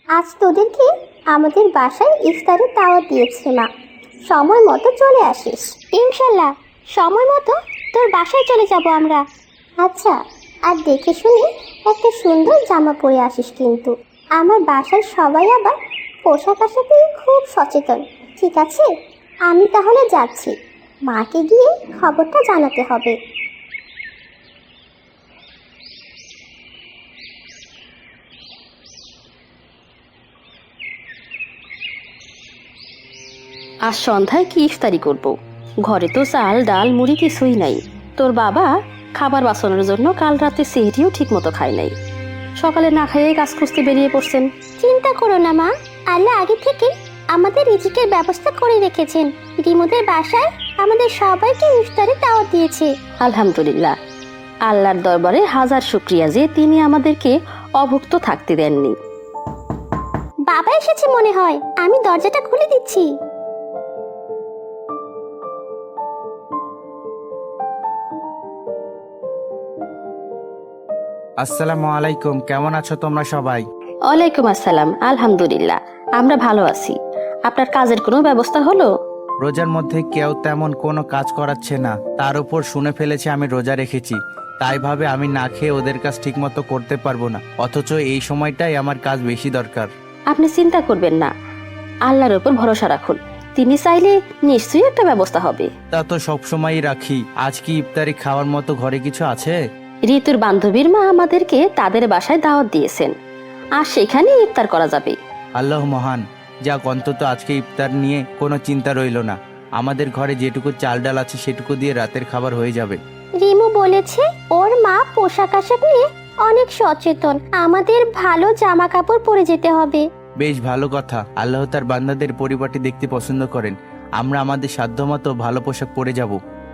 আজ তোদেরকে আমাদের বাসায় ইফতারের দাওয়াত দিয়েছে মা। সময় মতো চলে আসিস। ইনশাল্লাহ সময় মতো তোর বাসায় চলে যাব আমরা। আচ্ছা, আর দেখে শুনে একটা সুন্দর জামা পরে আসিস কিন্তু। আমার বাসার সবাই আবার পোশাক আশাকে খুব সচেতন, ঠিক আছে? আমি তাহলে যাচ্ছি, মাকে গিয়ে খবরটা জানাতে হবে। আজ সন্ধ্যায় কি ইফতারি করব? ঘরে তো চাল ডাল মুড়ি কিছুই নাই। তোর বাবা খাবার বাঁচানোর জন্য কাল রাতে সেহরিও ঠিক মতো খায় নাই। সকালে না খাইয়ে কাজ খুঁজতে বেরিয়ে পড়ছেন। চিন্তা করো না মা, আল্লাহ আগে থেকে আমাদের রিজিকের ব্যবস্থা করে রেখেছেন। রিমোদের বাসায় আমাদের সবাইকে ইফতারে দাওয়াত দিয়েছে। আলহামদুলিল্লাহ, আল্লাহর দরবারে হাজার শুকরিয়া যে তিনি আমাদেরকে অভুক্ত থাকতে দেননি। বাবা এসেছে মনে হয়, আমি দরজাটা খুলে দিচ্ছি। আসসালামু আলাইকুম, কেমন আছো তোমরা সবাই? ওয়ালাইকুম আসসালাম। আলহামদুলিল্লাহ, আমরা ভালো আছি। আপনার কাজের কোনো ব্যবস্থা হলো? রোজার মধ্যে কেউ তেমন কোনো কাজ করাচ্ছে না, তার উপর শুনে ফেলেছে আমি রোজা রেখেছি, তাই ভাবে আমি না খেয়ে ওদের কাজ ঠিক মতো করতে পারবো না, অথচ এই সময়টাই আমার কাজ বেশি দরকার। আপনি চিন্তা করবেন না, আল্লাহর উপর ভরসা রাখুন, তিনি চাইলে নিশ্চয়ই একটা ব্যবস্থা হবে। তা তো সবসময়ই রাখি, আজ কি ইফতারি খাওয়ার মতো ঘরে কিছু আছে? ঋতুর বান্ধবীর মা আমাদেরকে তাদের বাসায় দাওয়াত দিয়েছেন, আর সেখানে ইফতার করা যাবে। আল্লাহ মহান, যাক অন্তত আজকে ইফতার নিয়ে কোনো চিন্তা রইল না। আমাদের ঘরে যেটুকু চাল ডাল আছে সেটুকু দিয়ে রাতের খাবার হয়ে যাবে। রিমু বলেছে ওর মা পোশাক আশাক নিয়ে অনেক সচেতন, আমাদের ভালো জামা কাপড় পরে যেতে হবে। বেশ ভালো কথা, আল্লাহ তার বান্দাদের পরিপাটি দেখতে পছন্দ করেন। আমরা আমাদের সাধ্যমতো ভালো পোশাক পরে যাব।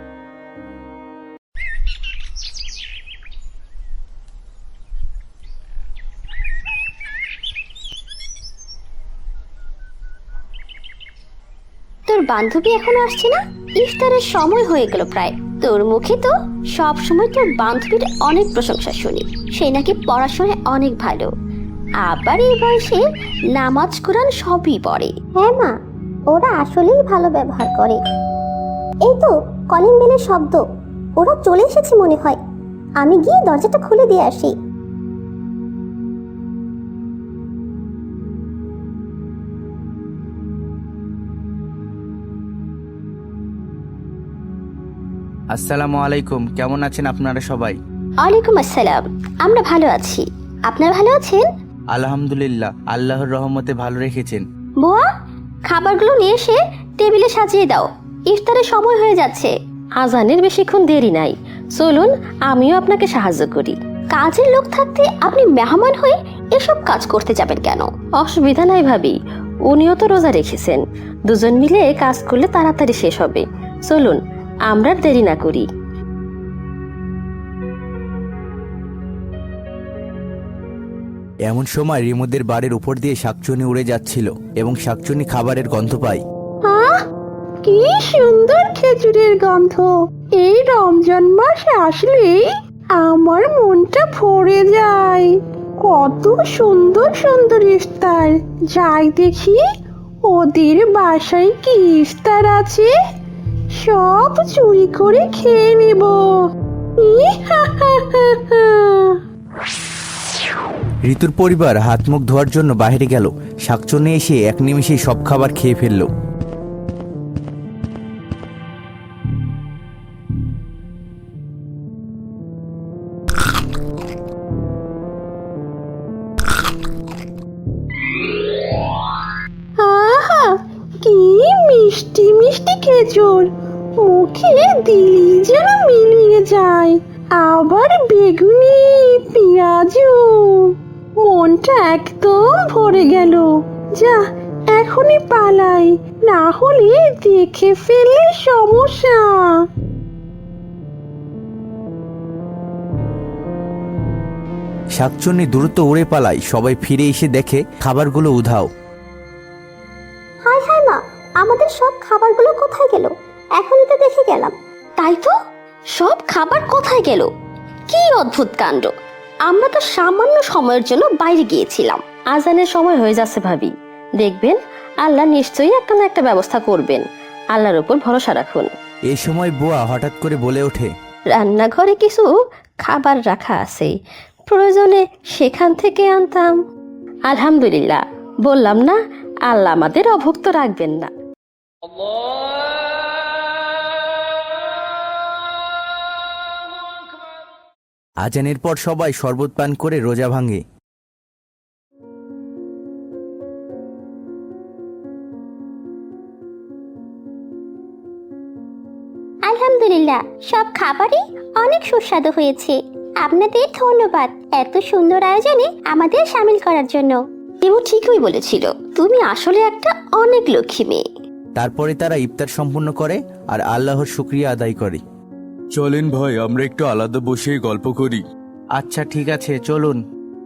তোর বান্ধবী এখনো আসছে না? ইফতারের সময় হয়ে গেল প্রায়। তোর মুখে তো সব সময় তোর বান্ধবীর অনেক প্রশংসা শুনি, সে নাকি পড়াশোনায় অনেক ভালো, আবার এই বয়সে নামাজ কোরআন সবই পড়ে। হ্যাঁ মা, ওরা আসলেই ভালো ব্যবহার করে। এই তো কলিং বেলের শব্দ, ওরা চলে এসেছে মনে হয়। আমি গিয়ে দরজাটা খুলে দিয়ে আসি। আসসালামু আলাইকুম, কেমন আছেন আপনারা সবাই? ওয়ালাইকুম আসসালাম, আমরা ভালো আছি। আপনারা ভালো আছেন? আলহামদুলিল্লাহ, আল্লাহর রহমতে ভালো রেখেছেন। বুয়া, খাবারগুলো নিয়ে এসে টেবিলে সাজিয়ে দাও, ইফতারের সময় হয়ে যাচ্ছে। আজানের বেশিক্ষণ দেরি নাই, চলুন আমিও আপনাকে সাহায্য করি। কাজের লোক থাকতে আপনি মেহমান হয়ে এসব কাজ করতে যাবেন কেন? অসুবিধা নাই ভাবি, উনিও তো রোজা রেখেছেন, দুজন মিলে কাজ করলে তাড়াতাড়ি শেষ হবে। চলুন আমরা দেরি না করি। এমন সময় রিমুদের বাড়ির উপর দিয়ে শাকচুনি উড়ে যাচ্ছিল এবং শাকচুনি খাবারের গন্ধ পায়। কি সুন্দর খেজুরের গন্ধ! এই রমজান মাসে আসলেই আমার মনটা ভরে যায়। কত সুন্দর সুন্দর ইফতার! যাই দেখি ওদের বাসায় কি ইফতার আছে, সব চুরি করে খেয়ে নেব। ঋতুর পরিবার হাত মুখ ধোয়ার জন্য বাইরে গেল। শাকচুনি এসে এক নিমেষেই সব খাবার খেয়ে ফেললো। আহা, কি মিষ্টি মিষ্টি খেজুর! মুখে দিলি যেন মিলিয়ে যায়। আবার বেগুনি, পেঁয়াজও। মনটা একদম ভরে গেল। যা, এখনই পালাই, না হলে দেখে ফেললে সমস্যা। শাকচুন্নি দ্রুত উড়ে পালায়। সবাই ফিরে এসে দেখে খাবারগুলো উধাও। হায় হায় মা, আমাদের সব খাবারগুলো কোথায় গেল? এখনই তো দেখে গেলাম। তাই তো, সব খাবার কোথায় গেল? কি অদ্ভুত কাণ্ড! আমরা তো সামান্য সময়ের জন্য বাইরে গিয়েছিলাম, আজানের সময় হয়ে যাচ্ছে ভাবি, দেখবেন আল্লাহ নিশ্চয়ই একটা না একটা ব্যবস্থা করবেন। আল্লাহর উপর ভরসা রাখুন। এই সময় বুয়া হঠাৎ করে বলে ওঠে, রান্নাঘরে কিছু খাবার রাখা আছে, প্রয়োজনে সেখান থেকে আনতাম। আলহামদুলিল্লাহ, বললাম না আল্লাহ আমাদের অভুক্ত রাখবেন না। আজানের পর সবাই শরবত পান করে রোজা ভাঙে। আলহামদুলিল্লাহ, সব খাবারই অনেক সুস্বাদু হয়েছে। আপনাদের ধন্যবাদ এত সুন্দর আয়োজনে আমাদের সামিল করার জন্য। রিমু ঠিকই বলেছিল, তুমি আসলে একটা অনেক লক্ষ্মী মেয়ে। তারপরে তারা ইফতার সম্পূর্ণ করে আর আল্লাহর শুকরিয়া আদায় করে। চলেন ভাই, আমরা একটু আলাদা বসে গল্প করি। আচ্ছা ঠিক আছে, চলুন।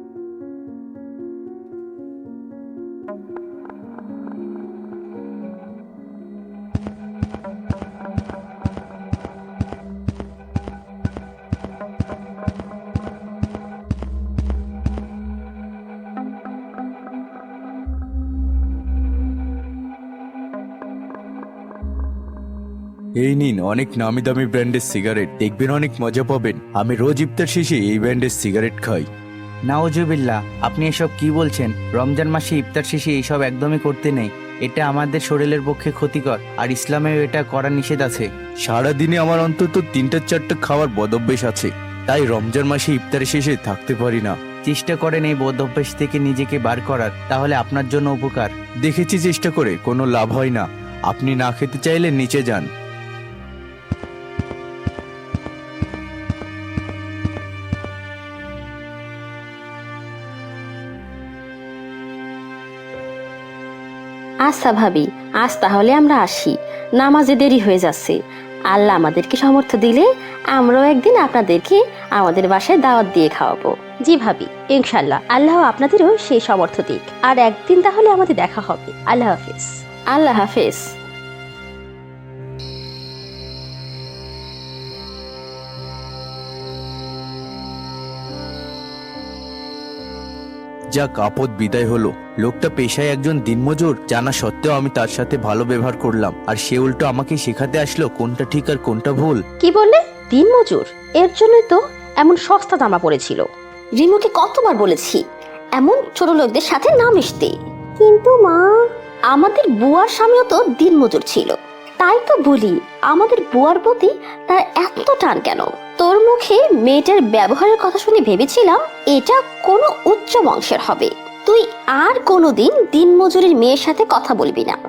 এই নিন অনেক নামি দামি ব্র্যান্ডের সিগারেট, দেখবেন অনেক মজা পাবেন। আমি রোজ ইফতার শেষে এই ব্র্যান্ডের সিগারেট খাই। নাউজুবিল্লাহ, আপনি এসব কি বলছেন? রমজান মাসে ইফতার শেষে এইসব একদমই করতে নেই। এটা আমাদের শরীরের পক্ষে ক্ষতিকর, আর ইসলামেও এটা করা নিষেধ আছে। সারাদিনে আমার অন্তত 3-4টা খাওয়ার বদভ্যাস আছে, তাই রমজান মাসে ইফতারের শেষে থাকতে পারি না। চেষ্টা করেন এই বদ অভ্যাস থেকে নিজেকে বার করার, তাহলে আপনার জন্য উপকার। দেখেছি চেষ্টা করে কোনো লাভ হয় না। আপনি না খেতে চাইলে নিচে যান। আচ্ছা ভাবি, আজ তাহলে আমরা আসি, নামাজে দেরি হয়ে যাচ্ছে। আল্লাহ আমাদেরকে সামর্থ্য দিলে আমরাও একদিন আপনাদেরকে আমাদের বাসায় দাওয়াত দিয়ে খাওয়াবো। জি ভাবি, ইনশাল্লাহ আল্লাহ আপনাদেরও সেই সামর্থ্য দিক। আর একদিন তাহলে আমাদের দেখা হবে। আল্লাহ হাফেজ। আল্লাহ হাফেজ। যাক, আপদ বিদায় হলো। লোকটা পেশায় একজন দিনমজুর জানা সত্ত্বেও আমি তার সাথে ভালো ব্যবহার করলাম, আর সে উল্টো আমাকে শেখাতে আসলো কোনটা ঠিক আর কোনটা ভুল। কি বললে? দিনমজুর? এর জন্যই তো এমন সস্তা জামা পড়েছিল। রিমুকে কতবার বলেছি এমন ছোট লোকদের সাথে না মিশতে। কিন্তু মা, আমাদের বুয়ার স্বামীও তো দিনমজুর ছিল। তাই তো বলি, আমাদের বুয়ার প্রতি তার এত টান কেন? তোর মুখে মেয়েটার ব্যবহারের কথা শুনে ভেবেছিলাম এটা কোনো উচ্চ বংশের হবে। তুই আর কোনোদিন দিনমজুরের মেয়ের সাথে কথা বলবি না।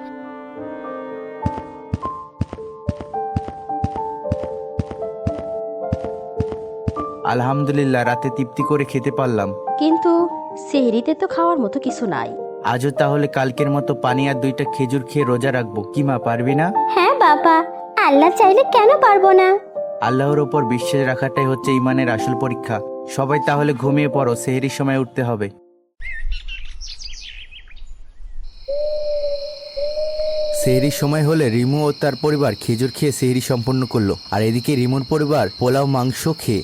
আলহামদুলিল্লাহ, রাতে তৃপ্তি করে খেতে পারলাম। কিন্তু সেহরিতে তো খাওয়ার মতো কিছু নাই। আজও তাহলে কালকের মতো পানি আর 2টা খেজুর খেয়ে রোজা রাখবো। কি মা, পারবি না? হ্যাঁ বাবা, আল্লাহ চাইলে কেন পারবো না। আল্লাহর ওপর বিশ্বাস রাখাটাই হচ্ছে ইমানের আসল পরীক্ষা। সবাই তাহলে ঘুমিয়ে পড়ো, সেহরির সময় উঠতে হবে। সেহরির সময় হলে রিমু ও তার পরিবার খেজুর খেয়ে সেহরি সম্পন্ন করলো, আর এদিকে রিমুর পরিবার পোলাও মাংস খেয়ে।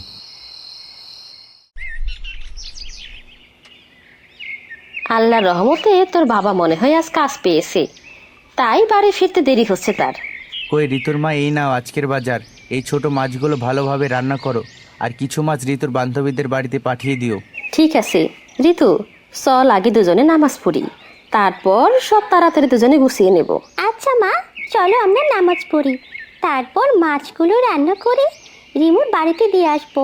আল্লাহর রহমতে তোর বাবা মনে হয় আজ কাজ পেয়েছে, তাই বাড়ি ফিরতে দেরি হচ্ছে তার। কই ঋতুর মা, এই নাও আজকের বাজার। এই ছোট মাছগুলো ভালোভাবে রান্না করো, আর কিছু মাছ ঋতুর বান্ধবীদের বাড়িতে পাঠিয়ে দিও। ঠিক আছে ঋতু, চল আগে দুজনে নামাজ পড়ি, তারপর সব তাড়াতাড়ি দুজনে গুছিয়ে নেব। আচ্ছা মা, চলো আমরা নামাজ পড়ি, তারপর মাছগুলো রান্না করে রিমুর বাড়িতে দিয়ে আসবো।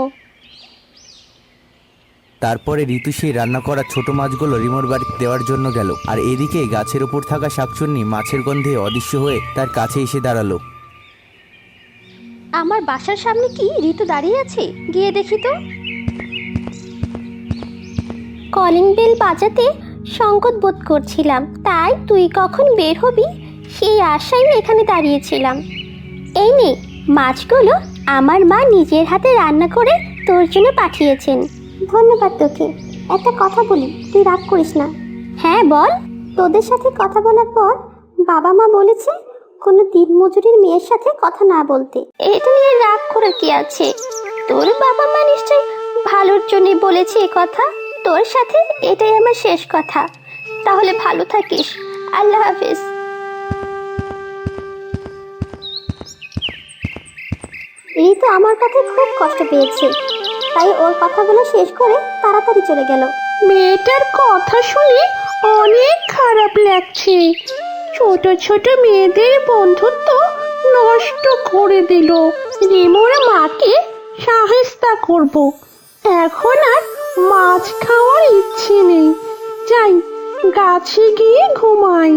তারপরে ঋতু সেই রান্না করা ছোট মাছগুলো রিমোর বাড়িতে দেওয়ার জন্য গেল, আর এদিকে গাছের উপর থাকা শাকচুন্নি মাছের গন্ধে অদৃশ্য হয়ে তার কাছে এসে দাঁড়ালো। আমার বাসার সামনে কি ঋতু দাঁড়িয়ে আছে? গিয়ে দেখি তো। কলিং বেল বাজাতে সংকট বোধ করছিলাম, তাই তুই কখন বের হবি সেই আশায় এখানে দাঁড়িয়েছিলাম। এই নে মাছগুলো, আমার মা নিজের হাতে রান্না করে তোর জন্য পাঠিয়েছেন। ধন্যবাদ তোকে। একটা কথা বলি, তুই রাগ করিস না। হ্যাঁ বল। তোদের সাথে কথা বলার পর বাবা মা বলেছে কোনো দিনমজুরের মেয়ের সাথে কথা না বলতে। এটা নিয়ে রাগ করার কি আছে? তোর বাবা মা নিশ্চয়ই ভালোর জন্যই বলেছে এ কথা। তোর সাথে এটাই আমার শেষ কথা। তাহলে ভালো থাকিস। আল্লাহ হাফিজ। ঋতু আমার কাছে খুব কষ্ট পেয়েছে, তাই ওর কথাগুলো শেষ করে তাড়াতাড়ি চলে গেল। মেয়েটার কথা শুনে অনেক খারাপ লাগছে। ছোট ছোট মেয়েদের বন্ধুত্ব নষ্ট করে দিল। রিমোর মাকে সাহেস্তা করব। এখন আর মাছ খাওয়ার ইচ্ছে নেই। যাই, গাছে গিয়ে ঘুমাই।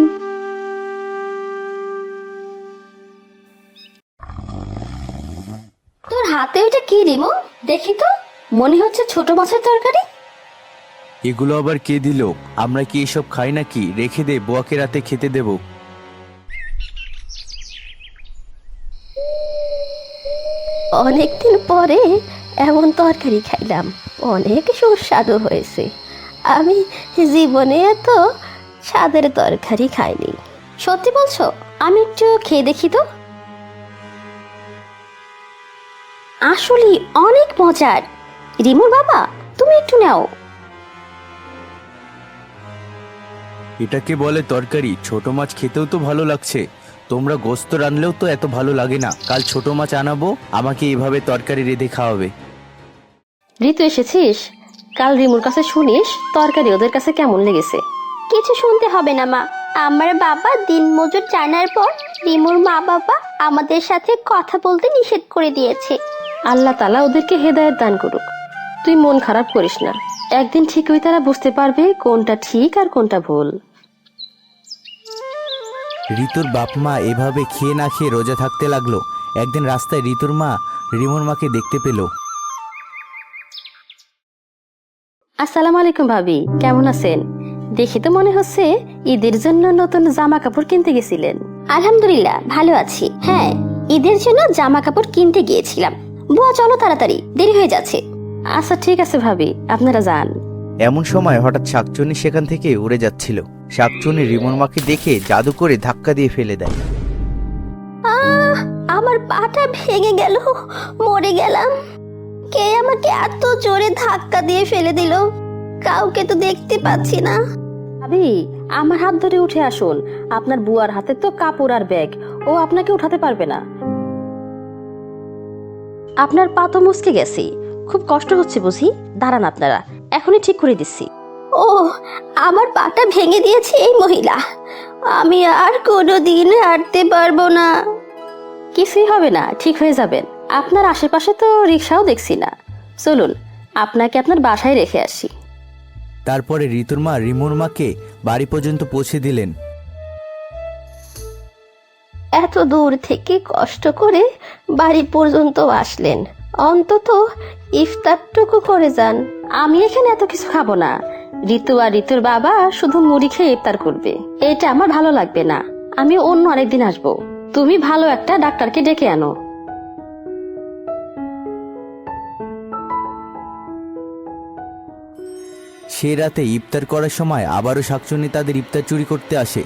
তোর হাতে ওইটা কি রিমো? দেখি তো, মনে হচ্ছে ছোট মাছের তরকারি। এগুলো আবার কে দিল? আমরা কি এসব খাই নাকি? রেখে দে, বুয়াকে রাতে খেতে দেব। অনেকদিন পরে এমন তরকারি খাইলাম, অনেক সুস্বাদু হয়েছে। আমি জীবনে এত স্বাদের তরকারি খাইনি। সত্যি বলছো? আমি একটু খেয়ে দেখি তো। আসলে অনেক মজার। রিমুর বাবা, তুমি একটু নাও। এটাকে বলে তরকারি? ছোট মাছ খেতেও তো ভালো লাগছে। তোমরা গোস্ত রানলেও তো এত ভালো লাগে না। কাল ছোট মাছ আনাবো, আমাকে এভাবে তরকারি রেঁধে খাওয়াবে। ঋতু, এসেছিস? কাল রিমুর কাছে শুনিস তরকারি ওদের কাছে কেমন লেগেছে। কিছু শুনতে হবে না মা। আমার বাবা দিনমজুর জানার পর রিমুর মা বাবা আমাদের সাথে কথা বলতে নিষেধ করে দিয়েছে। আল্লাহ তাআলা ওদেরকে হেদায়েত দান করুক। তুই মন খারাপ করিস না, একদিন ঠিকই তারা বুঝতে পারবে কোনটা ঠিক আর কোনটা ভুল। ঋতুর বাপ মা এভাবে খেয়ে না খেয়ে রোজা থাকতে লাগলো। একদিন রাস্তায় ঋতুর মা রিমোর মাকে দেখতে পেল। আসসালামু আলাইকুম ভাবি, কেমন আছেন? দেখি তো মনে হচ্ছে ঈদের জন্য নতুন জামা কাপড় কিনতে গেছিলেন। আলহামদুলিল্লাহ ভালো আছি। হ্যাঁ, ঈদের জন্য জামা কাপড় কিনতে গিয়েছিলাম। বুয়া চলো তাড়াতাড়ি, দেরি হয়ে যাচ্ছে। আচ্ছা ঠিক আছে ভাবি, আপনারা যান। এমন সময় হঠাৎ শাকচুন্নি সেখান থেকে উড়ে যাচ্ছিল। শাকচুন্নি রিমোর মাকে দেখে জাদু করে ধাক্কা দিয়ে ফেলে দেয়। আমার পাটা ভেঙে গেল, মরে গেলাম। কে আমাকে এত জোরে ধাক্কা দিয়ে ফেলে দিল? কাউকে তো দেখতে পাচ্ছি না। ভাবি, আমার হাত ধরে উঠে আসুন। আপনার বুয়ার হাতে তো কাপড় আর ব্যাগ, ও আপনাকে উঠাতে পারবে না। আপনার পা তো মুচকে গেছে, খুব কষ্ট হচ্ছে বুঝি। দাঁড়ান, আপনারা এখনই ঠিক করে দিচ্ছি। ও, আমার পাটা ভেঙে দিয়েছে এই মহিলা। আমি আর কোনোদিন হাঁটতে পারবো না। কিছুই হবে না, ঠিক হয়ে যাবেন। আপনার আশেপাশে তো রিক্সাও দেখছি না। চলুন, আপনাকে আপনার বাসায় রেখে আসি। তারপরে ঋতুর মা রিমোর মাকে বাড়ি পর্যন্ত পৌঁছে দিলেন। এত দূর থেকে কষ্ট করে বাড়ি পর্যন্ত আসলেন, অন্তত ইফতারটুকু করে যান। আমি এখানে এত কিছু খাবো না। ঋতু আর ঋতুর বাবা শুধু মুড়ি খেয়ে ইফতার করবে, এটা আমার ভালো লাগবে না। আমি অন্য আরেকদিন আসবো। তুমি ভালো একটা ডাক্তারকে ডেকে আনো। সে রাতে ইফতার করার সময় আবারও শাকচুন্নি তাদের ইফতার চুরি করতে আসে।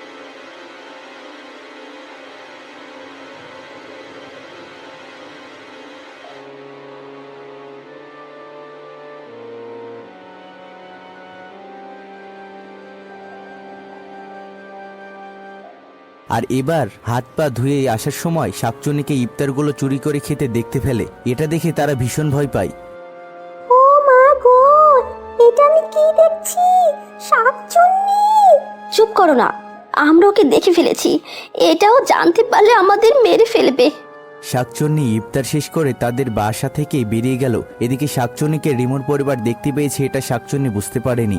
আর এবার হাত পা ধুয়ে আসার সময় শাকচুন্নিকে ইফতারগুলো চুরি করে খেতে দেখতে ফেলে। এটা দেখে তারা ভীষণ ভয় পায়। ও মা গো, এটা আমি কি দেখছি? শাকচুন্নি! চুপ করো না, আমরা ওকে দেখে ফেলেছি। এটাও জানতে পারলে আমাদের মেরে ফেলবে। শাকচুন্নি ইফতার শেষ করে তাদের বাসা থেকে বেরিয়ে গেল। এদিকে শাকচুন্নিকে রিমোর পরিবার দেখতে পেয়েছে, এটা শাকচুন্নি বুঝতে পারেনি।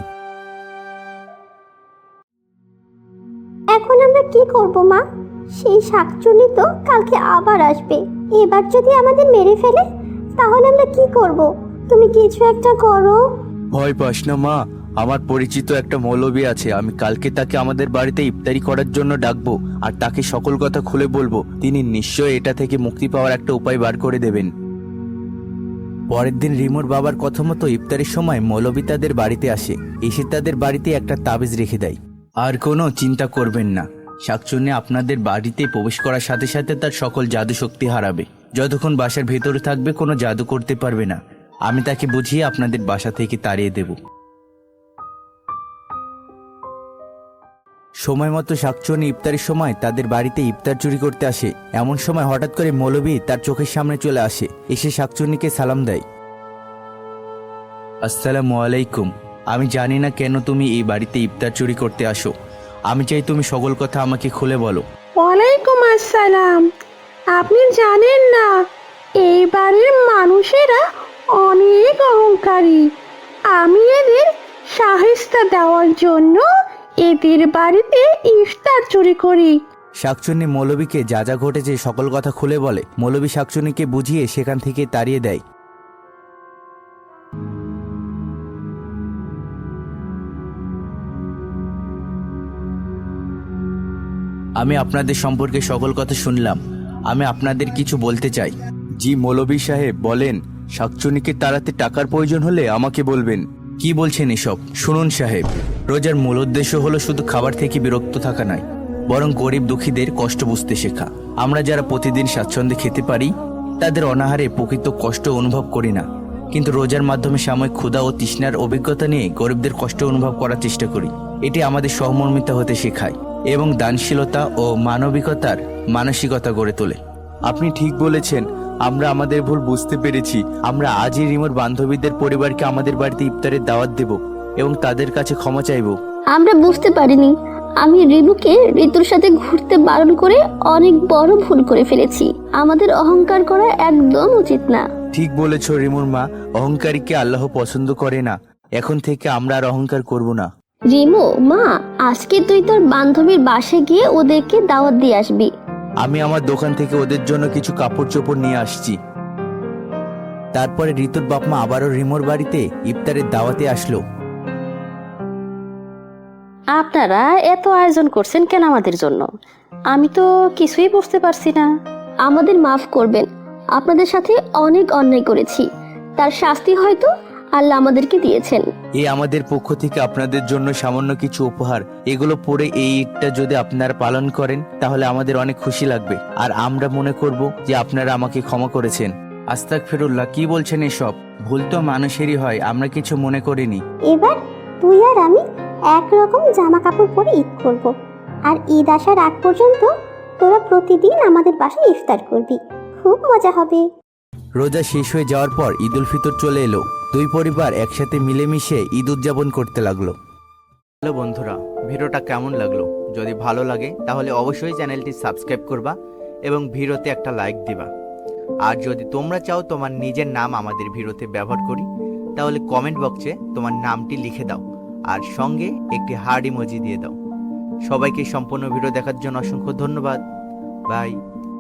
এখন আমরা কি করব মা? সেই শাকচুন্নি তো কালকে আবার আসবে। এবার যদি আমাদের মেরে ফেলে তাহলে আমরা কি করব? তুমি কিছু একটা করো। ভয় পাস না মা, আমার পরিচিত একটা মৌলবী আছে। আমি কালকে তাকে আমাদের বাড়িতে ইফতারি করার জন্য ডাকবো আর তাকে সকল কথা খুলে বলবো। তিনি নিশ্চয়ই এটা থেকে মুক্তি পাওয়ার একটা উপায় বার করে দেবেন। পরের দিন রিমোর বাবার কথা মতো ইফতারের সময় মৌলবী তাদের বাড়িতে আসে। এসে তাদের বাড়িতে একটা তাবিজ রেখে দেয়। আর কোনো চিন্তা করবেন না, শাকচুন্নি আপনাদের বাড়িতে প্রবেশ করার সাথে সাথে তার সকল জাদু শক্তি হারাবে। যতক্ষণ বাসার ভেতরে থাকবে কোনো জাদু করতে পারবে না। আমি তাকে বুঝিয়ে আপনাদের বাসা থেকে তাড়িয়ে দেব। সময় মতো শাকচুনি ইফতারের সময় তাদের বাড়িতে ইফতার চুরি করতে আসে। এমন সময় হঠাৎ করে মৌলবী তার চোখের সামনে চলে আসে, এসে শাকচুনিকে সালাম দেয়। আসসালামু আলাইকুম। আমি জানি না কেন তুমি এই বাড়িতে ইফতার চুরি করতে আসো। আমি চাই তুমি সকল কথা আমাকে খুলে বলো। ওয়ালাইকুম আসসালাম। আপনি জানেন না, এই বাড়ির মানুষেরা অনেক অহংকারী। আমি এদের সাহেস্তা দেওয়ার জন্য এদের বাড়িতে ইফতার চুরি করি। শাকচুন্নি মৌলবীকে যা যা ঘটেছে সকল কথা খুলে বলে। মৌলবী শাকচুন্নিকে বুঝিয়ে সেখান থেকে তাড়িয়ে দেয়। আমি আপনাদের সম্পর্কে সকল কথা শুনলাম। আমি আপনাদের কিছু বলতে চাই। জি মৌলবী সাহেব বলেন। শাকচুন্নিকে তাড়াতে টাকার প্রয়োজন হলে আমাকে বলবেন। কি বলছেন এসব? শুনুন সাহেব, রোজার মূল উদ্দেশ্য হলো শুধু খাবার থেকে বিরক্ত থাকা নয়, বরং গরিব দুঃখীদের কষ্ট বুঝতে শেখা। আমরা যারা প্রতিদিন স্বাচ্ছন্দ্যে খেতে পারি, তাদের অনাহারে প্রকৃত কষ্ট অনুভব করি না, কিন্তু রোজার মাধ্যমে সাময়িক ক্ষুধা ও তৃষ্ণার অভিজ্ঞতা নিয়ে গরিবদের কষ্ট অনুভব করার চেষ্টা করি। এটি আমাদের সহমর্মিতা হতে শেখায় এবং দানশীলতা ও মানবিকতার মানসিকতা গড়ে তোলে। আপনি ঠিক বলেছেন। আমরা আমাদের ভুল বুঝতে পেরেছি। আমরা আজই রিমোর বান্ধবীদের পরিবারকে আমাদের বাড়িতে ইফতারের দাওয়াত দেব এবং তাদের কাছে ক্ষমা চাইব। আমরা বুঝতে পারিনি। আমি রিমুকে ঋতুর সাথে ঘুরতে বারণ করে অনেক বড় ভুল করে ফেলেছি। আমাদের অহংকার করা একদম উচিত না। ঠিক বলেছ রিমুর মা, অহংকারীকে আল্লাহ পছন্দ করে না। এখন থেকে আমরা আর অহংকার করব না। রিমু মা, আজকে তুই তোর বান্ধবীর বাসায় গিয়ে ওদেরকে দাওয়াত দিয়ে আসবি। আমি আমার দোকান থেকে ওদের জন্য কিছু কাপড় চোপড় নিয়ে আসছি। তারপরে ঋতুর বাপমা আবারও রিমোর বাড়িতে ইফতারের দাওয়াতে আসলো। আপনারা এত আয়োজন করছেন কেন আমাদের জন্য? আমি তো কিছুই বুঝতে পারছি না। আমাদের মাফ করবেন, আপনাদের সাথে অনেক অন্যায় করেছি, তার শাস্তি হয়তো আল্লাহ আমাদেরকে দিয়েছেন। এই আমাদের পক্ষ থেকে আপনাদের জন্য সামান্য কিছু উপহার। এগুলো পরে এই ঈদটা যদি আপনারা পালন করেন তাহলে আমাদের অনেক খুশি লাগবে, আর আমরা মনে করব যে আপনারা আমাকে ক্ষমা করেছেন। আস্তাগফিরুল্লাহ, কি বলছেন এসব? ভুল তো মানুষেরই হয়, আমরা কিছু মনে করিনি। এবার তুই আর আমি একরকম জামা কাপড় পরে ঈদ করব, আর ঈদ আসার আগ পর্যন্ত তোরা প্রতিদিন আমাদের বাসায় ইফতার করবি। খুব মজা হবে। রোজা শেষ হয়ে যাওয়ার পর ঈদ উল ফিতর চলে এলো। দুই পরিবার একসাথে মিলেমিশে ঈদ উদযাপন করতে লাগলো। হ্যালো বন্ধুরা, ভিডিওটা কেমন লাগলো? যদি ভালো লাগে তাহলে অবশ্যই চ্যানেলটি সাবস্ক্রাইব করবা এবং ভিডিওতে একটা লাইক দিবা। আর যদি তোমরা চাও তোমার নিজের নাম আমাদের ভিডিওতে ব্যবহার করি, তাহলে কমেন্ট বক্সে তোমার নামটি লিখে দাও আর সঙ্গে একটি হার্ট ইমোজি দিয়ে দাও। সবাইকে সম্পূর্ণ ভিডিও দেখার জন্য অসংখ্য ধন্যবাদ। বাই।